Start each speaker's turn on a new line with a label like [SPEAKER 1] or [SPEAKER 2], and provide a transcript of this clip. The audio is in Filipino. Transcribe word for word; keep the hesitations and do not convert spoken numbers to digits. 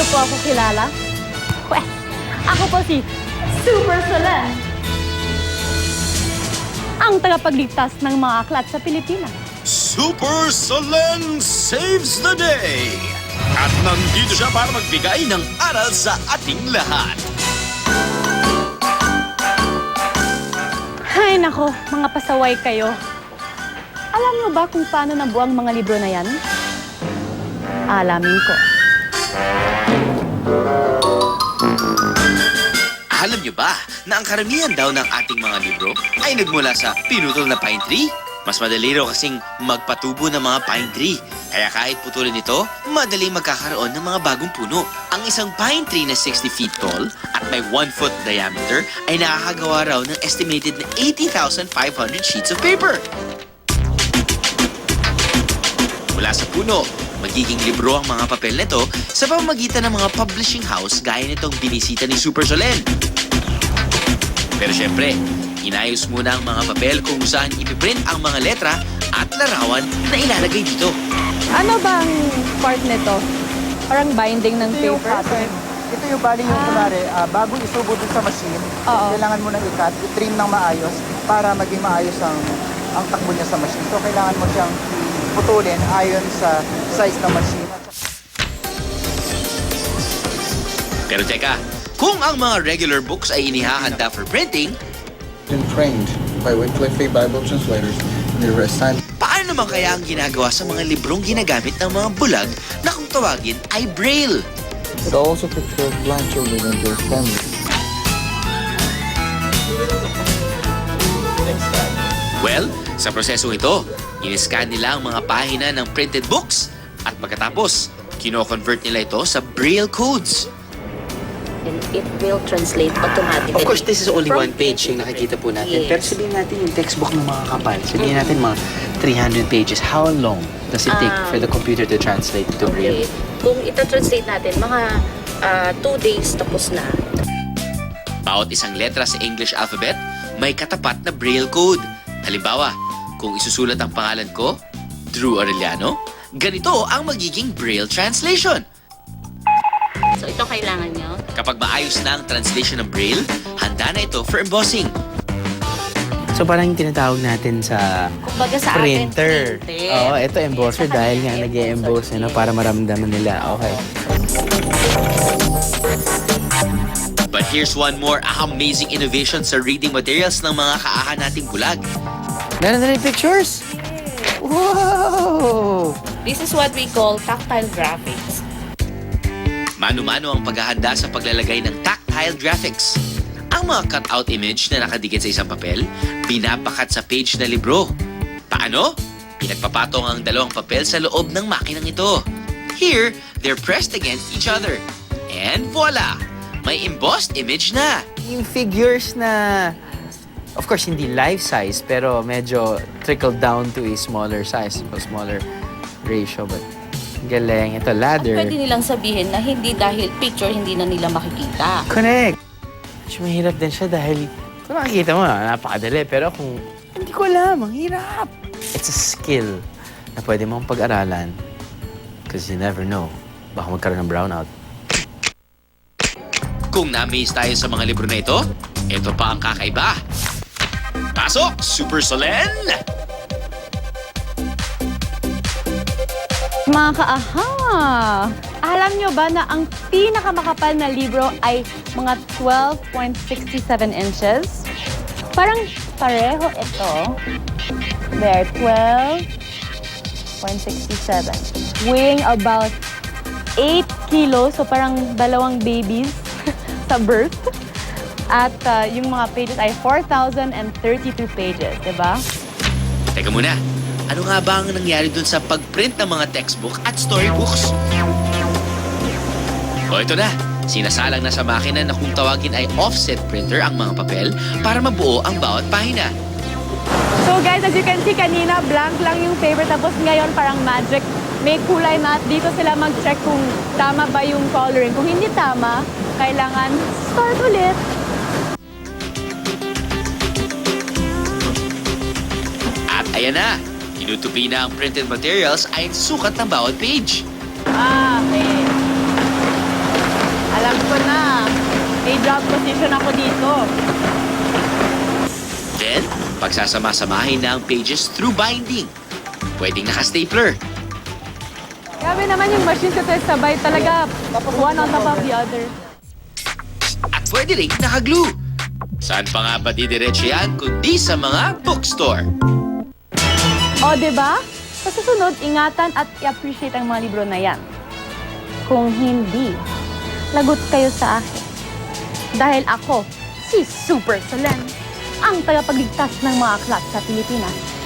[SPEAKER 1] niyo po ako kilala? Pwes, ako po si Super Solen, ang tagapagligtas ng mga aklat sa Pilipinas.
[SPEAKER 2] Super Solen saves the day! At nandito siya para magbigay ng aral sa ating lahat.
[SPEAKER 1] Ay nako, mga pasaway kayo. Alam niyo ba kung paano nabuo ang mga libro na yan? Alamin ko.
[SPEAKER 2] Alam niyo ba na ang karamihan daw ng ating mga libro ay nagmula sa pinutol na pine tree? Mas madali raw kasing magpatubo ng mga pine tree. Kaya kahit putulin ito, madali magkakaroon ng mga bagong puno. Ang isang pine tree na sixty feet tall at may one foot diameter ay nakakagawa raw ng estimated na eighty thousand five hundred sheets of paper. Mula sa puno, magiging libro ang mga papel nito sa pamamagitan ng mga publishing house gaya nitong binisita ni Super Solen. Pero syempre, inayos muna ang mga papel kung saan ipiprint ang mga letra at larawan na ilalagay dito.
[SPEAKER 1] Ano bang part nito? Parang binding ng
[SPEAKER 3] Ito yung
[SPEAKER 1] paper?
[SPEAKER 3] cutting. Ito yung bali yung
[SPEAKER 1] Ah.
[SPEAKER 3] kunwari, ah, bago isubo dun sa machine,
[SPEAKER 1] Oo.
[SPEAKER 3] kailangan mo nang i-cut, i-trim ng maayos para maging maayos ang ang takbo niya sa machine. So kailangan mo siyang putulin ayon sa size ng machine.
[SPEAKER 2] Pero teka, kung ang mga regular books ay inihahanda for printing,
[SPEAKER 4] Been trained by Wycliffe Bible translators and they were assigned
[SPEAKER 2] paano naman kaya ang ginagawa sa mga librong ginagamit ng mga bulag na kung tawagin ay braille?
[SPEAKER 4] It also prepared blind children and their families.
[SPEAKER 2] Well, sa prosesong ito, in-scan nila ang mga pahina ng printed books at pagkatapos, kino-convert nila ito sa braille codes.
[SPEAKER 5] And it will translate automatically.
[SPEAKER 6] Of course, this is only
[SPEAKER 5] From
[SPEAKER 6] one page yung nakikita po natin.
[SPEAKER 5] Yes.
[SPEAKER 6] Pero sabihin natin yung textbook ng mga kapal. Sabihin natin mga three hundred pages. How long does it take
[SPEAKER 5] Um,
[SPEAKER 6] for the computer to translate to Braille?
[SPEAKER 5] Okay. Kung ita-translate natin, mga ah, two days tapos na.
[SPEAKER 2] Bawat isang letra sa English alphabet, may katapat na braille code. Halimbawa, kung isusulat ang pangalan ko, Drew Arellano, ganito ang magiging braille translation.
[SPEAKER 5] So ito kailangan nyo.
[SPEAKER 2] Kapag maayos na ang translation ng braille, handa na ito for embossing.
[SPEAKER 6] So parang yung tinatawag natin sa
[SPEAKER 5] Kumbaga sa atin,
[SPEAKER 6] printer.
[SPEAKER 5] printed.
[SPEAKER 6] Oo, ito embosser
[SPEAKER 5] Sa
[SPEAKER 6] dahil
[SPEAKER 5] kanila,
[SPEAKER 6] nga nag-e-emboss
[SPEAKER 5] embosser.
[SPEAKER 6] ano, para maramdaman nila. Okay.
[SPEAKER 2] But here's one more amazing innovation sa reading materials ng mga kaahan nating bulag.
[SPEAKER 6] Meron na rin pictures? Wow!
[SPEAKER 5] This is what we call tactile graphics.
[SPEAKER 2] Mano-mano ang paghahanda sa paglalagay ng tactile graphics. Ang mga cutout image na nakadikit sa isang papel, binabakat sa page na libro. Paano? Pinagpapatong ang dalawang papel sa loob ng makinang ito. Here, they're pressed against each other. And voila! May embossed image na.
[SPEAKER 6] Yung figures na, of course, hindi life size, pero medyo trickled down to a smaller size, a smaller ratio. But galing. Ito, ladder.
[SPEAKER 5] Pwede nilang sabihin na hindi dahil picture, hindi na nila makikita.
[SPEAKER 6] Connect! Mas mahirap din siya dahil kung nakikita mo, napakadali. Pero kung hindi ko alam, ang hirap. It's a skill na pwede mong pag-aralan because you never know. Baka magkaroon ng brownout.
[SPEAKER 2] Kung na-amaze tayo sa mga libro na ito, ito pa ang kakaiba. Pasok, Super Solen!
[SPEAKER 1] Mga kaaha! Alam nyo ba na ang pinakamakapal na libro ay mga twelve point six seven inches? Parang pareho ito. There, twelve point six seven. Weighing about eight kilos, so parang dalawang babies sa birth. At uh, yung mga pages ay four thousand thirty-two pages, di ba?
[SPEAKER 2] Teka muna, ano nga ba ang nangyari dun sa pagprint ng mga textbook at storybooks? O ito na, sinasalang na sa makina na kung tawagin ay offset printer ang mga papel para mabuo ang bawat pahina.
[SPEAKER 1] So guys, as you can see kanina, blank lang yung paper. Tapos ngayon parang magic. May kulay na at dito sila mag-check kung tama ba yung coloring. Kung hindi tama, kailangan start ulit.
[SPEAKER 2] At ayan na, tinutupi na ang printed materials ay sukat ng bawat page.
[SPEAKER 1] Ah, okay. Naka-drop position ako dito.
[SPEAKER 2] Then, pagsasama-samahin na ang pages through binding. Pwedeng naka-stapler.
[SPEAKER 1] Grabe naman yung machine kasi sabay talaga. One on top of the other.
[SPEAKER 2] At pwede rin naka-glue. Saan pa nga ba didiretso yan kundi sa mga bookstore?
[SPEAKER 1] O, diba? Sa susunod, ingatan at i-appreciate ang mga libro na yan. Kung hindi, lagot kayo sa akin. Dahil ako, si Super Solen, ang tagapagligtas ng mga aklat sa Pilipinas.